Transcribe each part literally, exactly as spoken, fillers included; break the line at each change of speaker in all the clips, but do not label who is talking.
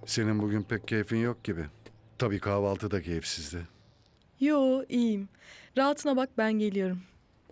Senin bugün pek keyfin yok gibi. Tabii kahvaltı da keyifsizdi.
Yo, iyiyim. Rahatına bak, ben geliyorum.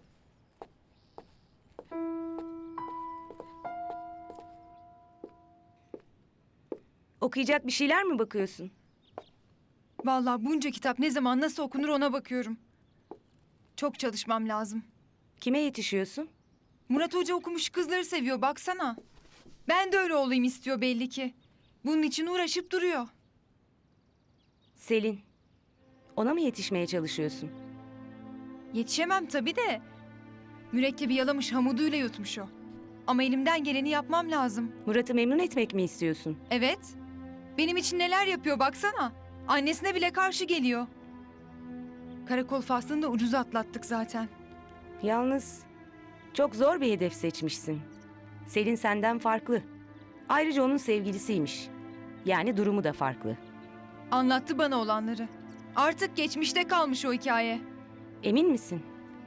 Okuyacak bir şeyler mi bakıyorsun?
Vallahi bunca kitap ne zaman nasıl okunur ona bakıyorum. Çok çalışmam lazım.
Kime yetişiyorsun?
Murat Hoca okumuş kızları seviyor baksana. Ben de öyle olayım istiyor belli ki. Bunun için uğraşıp duruyor.
Selin. Ona mı yetişmeye çalışıyorsun?
Yetişemem tabii de. Mürekkebi yalamış hamuduyla yutmuş o. Ama elimden geleni yapmam lazım.
Murat'ı memnun etmek mi istiyorsun?
Evet. Benim için neler yapıyor baksana. Annesine bile karşı geliyor. Karakol faslını da ucuz atlattık zaten.
Yalnız çok zor bir hedef seçmişsin. Selin senden farklı. Ayrıca onun sevgilisiymiş. Yani durumu da farklı.
Anlattı bana olanları. Artık geçmişte kalmış o hikaye.
Emin misin?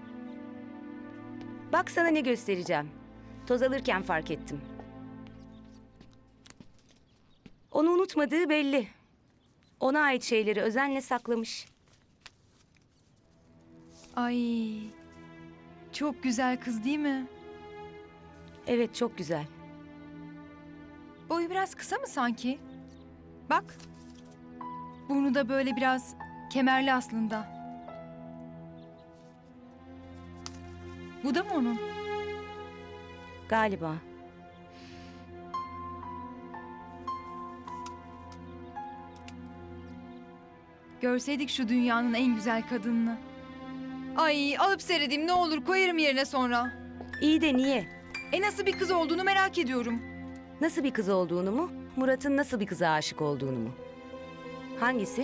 Bak sana ne göstereceğim. Toz alırken fark ettim. Onu unutmadığı belli. Ona ait şeyleri özenle saklamış.
Ay. Çok güzel kız değil mi?
Evet, çok güzel.
Boyu biraz kısa mı sanki? Bak. Burnu da böyle biraz kemerli aslında. Bu da mı onun?
Galiba.
Görseydik şu dünyanın en güzel kadınını. Ay alıp seyredeyim ne olur koyarım yerine sonra.
İyi de niye?
E nasıl bir kız olduğunu merak ediyorum.
Nasıl bir kız olduğunu mu? Murat'ın nasıl bir kıza aşık olduğunu mu? Hangisi?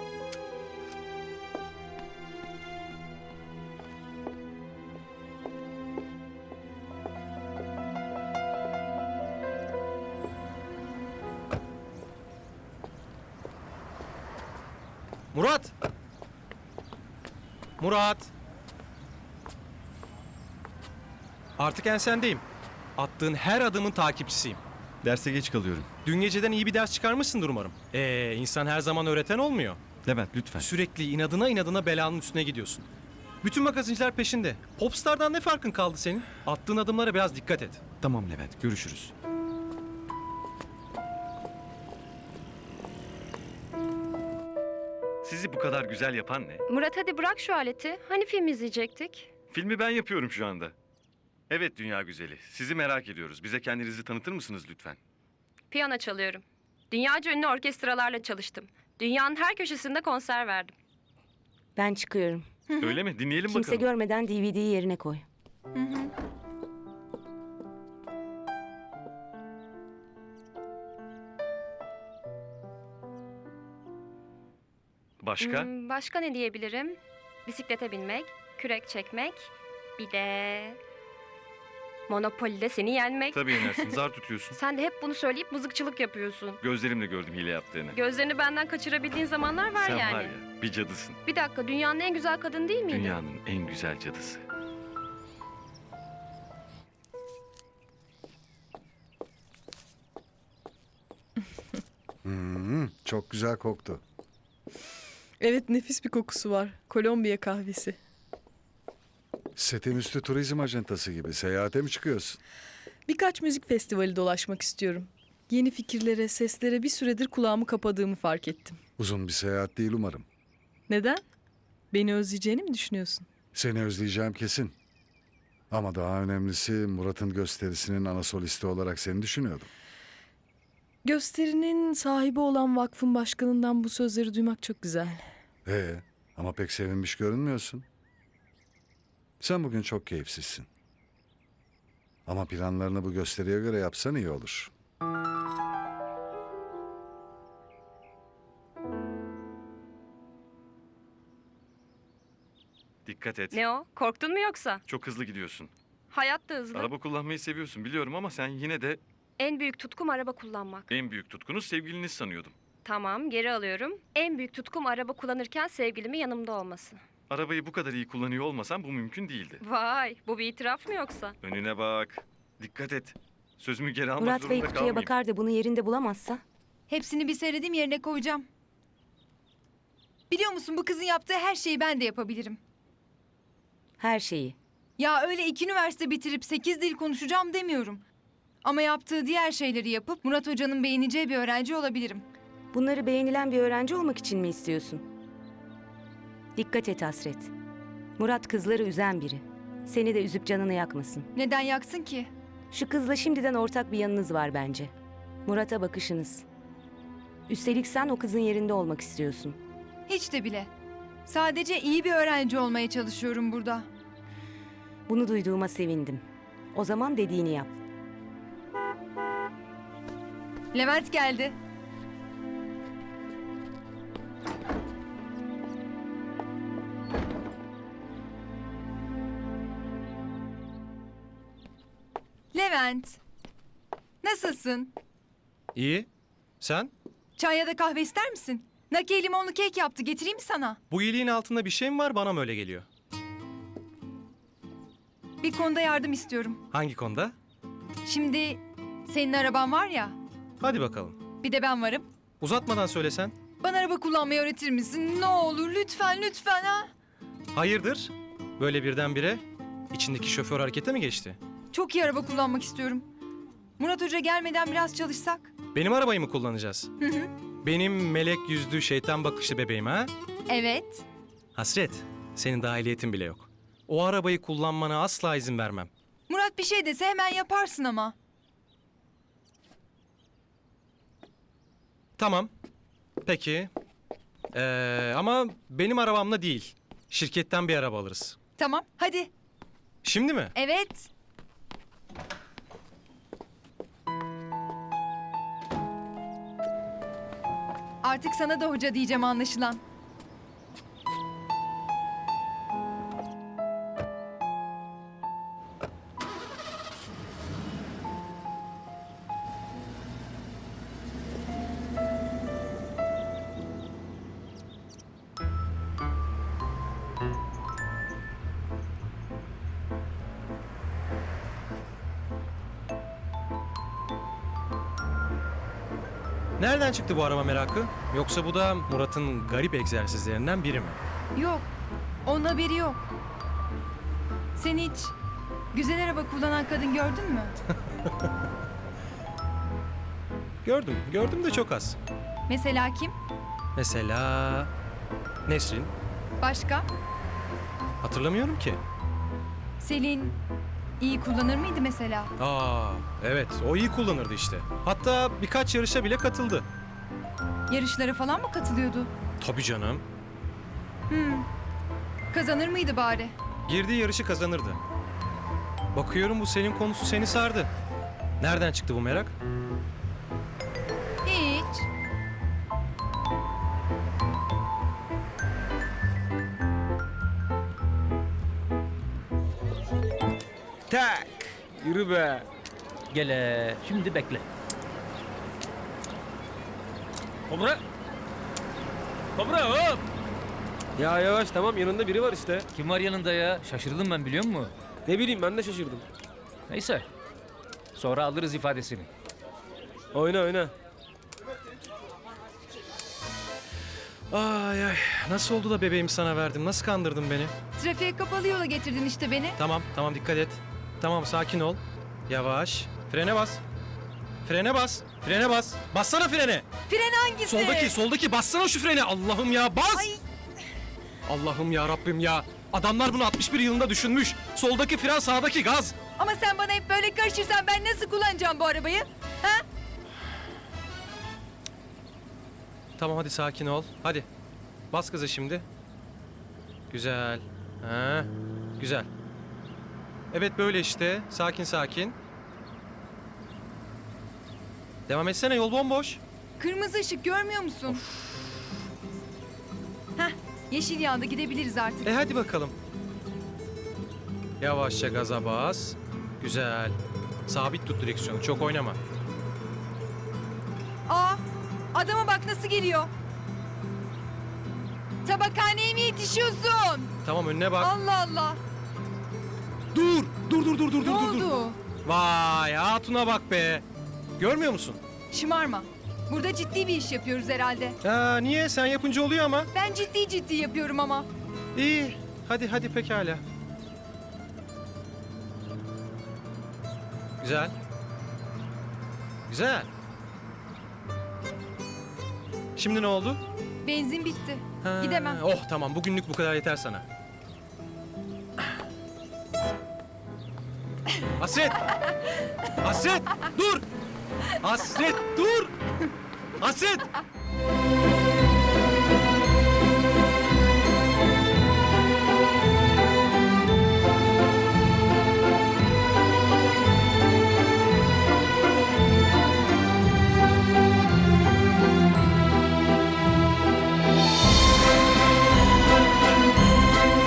Murat! Murat! Artık ensendeyim. Attığın her adımın takipçisiyim.
Derse geç kalıyorum.
Dün geceden iyi bir ders çıkarmışsındır umarım. Ee, insan her zaman öğreten olmuyor.
Levent lütfen.
Sürekli inadına inadına belanın üstüne gidiyorsun. Bütün magazinciler peşinde. Popstar'dan ne farkın kaldı senin? Attığın adımlara biraz dikkat et.
Tamam Levent, görüşürüz.
Sizi bu kadar güzel yapan ne?
Murat hadi bırak şu aleti. Hani film izleyecektik?
Filmi ben yapıyorum şu anda. Evet dünya güzeli. Sizi merak ediyoruz. Bize kendinizi tanıtır mısınız lütfen?
Piyano çalıyorum. Dünyaca ünlü orkestralarla çalıştım. Dünyanın her köşesinde konser verdim.
Ben çıkıyorum.
Öyle mi? Dinleyelim
Kimse
bakalım.
görmeden D V D'yi yerine koy.
Başka?
Hmm, başka ne diyebilirim? Bisiklete binmek, kürek çekmek, bir de... Monopoly'de seni yenmek.
Tabii yenersin. Zar tutuyorsun.
Sen de hep bunu söyleyip mızıkçılık yapıyorsun.
Gözlerimle gördüm hile yaptığını.
Gözlerini benden kaçırabildiğin zamanlar var
Sen
yani.
var ya bir cadısın.
Bir dakika, dünyanın en güzel kadın değil miydi?
Dünyanın en güzel cadısı.
Hmm, çok güzel koktu.
Evet, nefis bir kokusu var. Kolombiya kahvesi.
Setin üstü turizm ajantası gibi. Seyahate mi çıkıyorsun?
Birkaç müzik festivali dolaşmak istiyorum. Yeni fikirlere, seslere bir süredir kulağımı kapadığımı fark ettim.
Uzun bir seyahat değil umarım.
Neden? Beni özleyeceğini mi düşünüyorsun?
Seni özleyeceğim kesin. Ama daha önemlisi Murat'ın gösterisinin ana solisti olarak seni düşünüyordum.
Gösterinin sahibi olan vakfın başkanından bu sözleri duymak çok güzel.
Ee, ama pek sevinmiş görünmüyorsun. Sen bugün çok keyifsizsin. Ama planlarını bu gösteriye göre yapsan iyi olur.
Dikkat et.
Ne o? Korktun mu yoksa?
Çok hızlı gidiyorsun.
Hayat da hızlı.
Araba kullanmayı seviyorsun biliyorum ama sen yine de
En büyük tutkum araba kullanmak.
en büyük tutkunuz sevgiliniz sanıyordum.
Tamam, geri alıyorum. En büyük tutkum araba kullanırken sevgilimin yanımda olması.
Arabayı bu kadar iyi kullanıyor olmasan bu mümkün değildi.
Vay, bu bir itiraf mı yoksa?
Önüne bak. Dikkat et. Sözümü geri almak
Murat
zorunda
Bey kutuya
kalmayayım.
bakar da bunu yerinde bulamazsa
Hepsini bir seyredeyim, yerine koyacağım. Biliyor musun, bu kızın yaptığı her şeyi ben de yapabilirim.
Her şeyi.
Ya öyle iki üniversite bitirip sekiz dil konuşacağım demiyorum. Ama yaptığı diğer şeyleri yapıp Murat Hoca'nın beğeneceği bir öğrenci olabilirim.
Bunları beğenilen bir öğrenci olmak için mi istiyorsun? Dikkat et Hasret. Murat kızları üzen biri. Seni de üzüp canını yakmasın.
Neden yaksın ki?
Şu kızla şimdiden ortak bir yanınız var bence. Murat'a bakışınız. Üstelik sen o kızın yerinde olmak istiyorsun.
Hiç de bile. Sadece iyi bir öğrenci olmaya çalışıyorum burada.
Bunu duyduğuma sevindim. O zaman dediğini yap.
Levent geldi. Levent. Nasılsın?
İyi. Sen?
Çay ya da kahve ister misin? Nakiye limonlu kek yaptı. Getireyim mi sana?
Bu iyiliğin altında bir şey mi var, bana mı öyle geliyor?
Bir konuda yardım istiyorum.
Hangi konuda?
Şimdi senin araban var ya.
Hadi bakalım.
Bir de ben varım.
Uzatmadan söylesen.
Bana araba kullanmayı öğretir misin? Ne olur lütfen lütfen ha.
Hayırdır? Böyle birdenbire içindeki şoför harekete mi geçti?
Çok iyi araba kullanmak istiyorum. Murat Hoca gelmeden biraz çalışsak.
Benim arabayı mı kullanacağız?
Hı hı.
Benim melek yüzlü şeytan bakışlı bebeğim ha?
Evet.
Hasret, senin dahiliyetin bile yok. O arabayı kullanmana asla izin vermem.
Murat bir şey dese hemen yaparsın ama.
Tamam. Peki. Ee, ama benim arabamla değil. Şirketten bir araba alırız.
Tamam hadi.
Şimdi mi?
Evet. Artık sana da hoca diyeceğim anlaşılan.
Nereden çıktı bu araba merakı? Yoksa bu da Murat'ın garip egzersizlerinden biri mi?
Yok. Onun haberi yok. Sen hiç güzel araba kullanan kadın gördün mü?
Gördüm. Gördüm de çok az.
Mesela kim?
Mesela Nesrin.
Başka?
Hatırlamıyorum ki.
Selin iyi kullanır mıydı mesela?
Aa, evet. O iyi kullanırdı işte. Hatta birkaç yarışa bile katıldı.
Yarışlara falan mı katılıyordu?
Tabii canım.
Hmm. Kazanır mıydı bari?
Girdiği yarışı kazanırdı. Bakıyorum bu senin konusu seni sardı. Nereden çıktı bu merak?
Hiç.
Tak. Yürü be. Gele. Şimdi bekle. Kobra. Kobra hop. Ya yavaş tamam yanında biri var işte.
Kim var yanında ya? Şaşırdım ben, biliyor musun?
Ne bileyim ben de şaşırdım.
Neyse. Sonra alırız ifadesini.
Oyna oyna.
Ay ay. Nasıl oldu da bebeğimi sana verdim? Nasıl kandırdın beni?
Trafiğe kapalı yola getirdin işte beni.
Tamam, tamam dikkat et. Tamam sakin ol. Yavaş. Frene bas. Frene bas. Frene bas. Bassana frene.
Fren hangisi?
Soldaki, soldaki bassana şu frene. Allah'ım ya bas.
Ay.
Allah'ım ya Rabbim ya. Adamlar bunu altmış bir yılında düşünmüş. Soldaki fren, sağdaki gaz.
Ama sen bana hep böyle karışırsan ben nasıl kullanacağım bu arabayı? Ha?
Tamam hadi sakin ol. Hadi. Bas gaza şimdi. Güzel. Ha, güzel. Evet böyle işte. Sakin sakin. Devam etsene, yol bomboş.
Kırmızı ışık görmüyor musun? Heh, yeşil yandı, gidebiliriz artık.
E hadi bakalım. Yavaşça gaza bas. Güzel. Sabit tut direksiyonu. Çok oynama.
Aa, adama bak nasıl geliyor. Tabakhaneye mi yetişiyorsun?
Tamam önüne bak.
Allah Allah.
Dur! Dur dur dur dur
Ne
dur dur.
oldu?
Vay hatuna bak be. Görmüyor musun?
Şımarma. Burada ciddi bir iş yapıyoruz herhalde.
Ya niye? Sen yapınca oluyor ama.
Ben ciddi ciddi yapıyorum ama.
İyi. Hadi hadi pekala. Güzel. Güzel. Şimdi ne oldu?
Benzin bitti.
Ha,
Gidemem.
Oh tamam, bugünlük bu kadar yeter sana. Hasret! Hasret! Dur! Hasret dur! Hasret!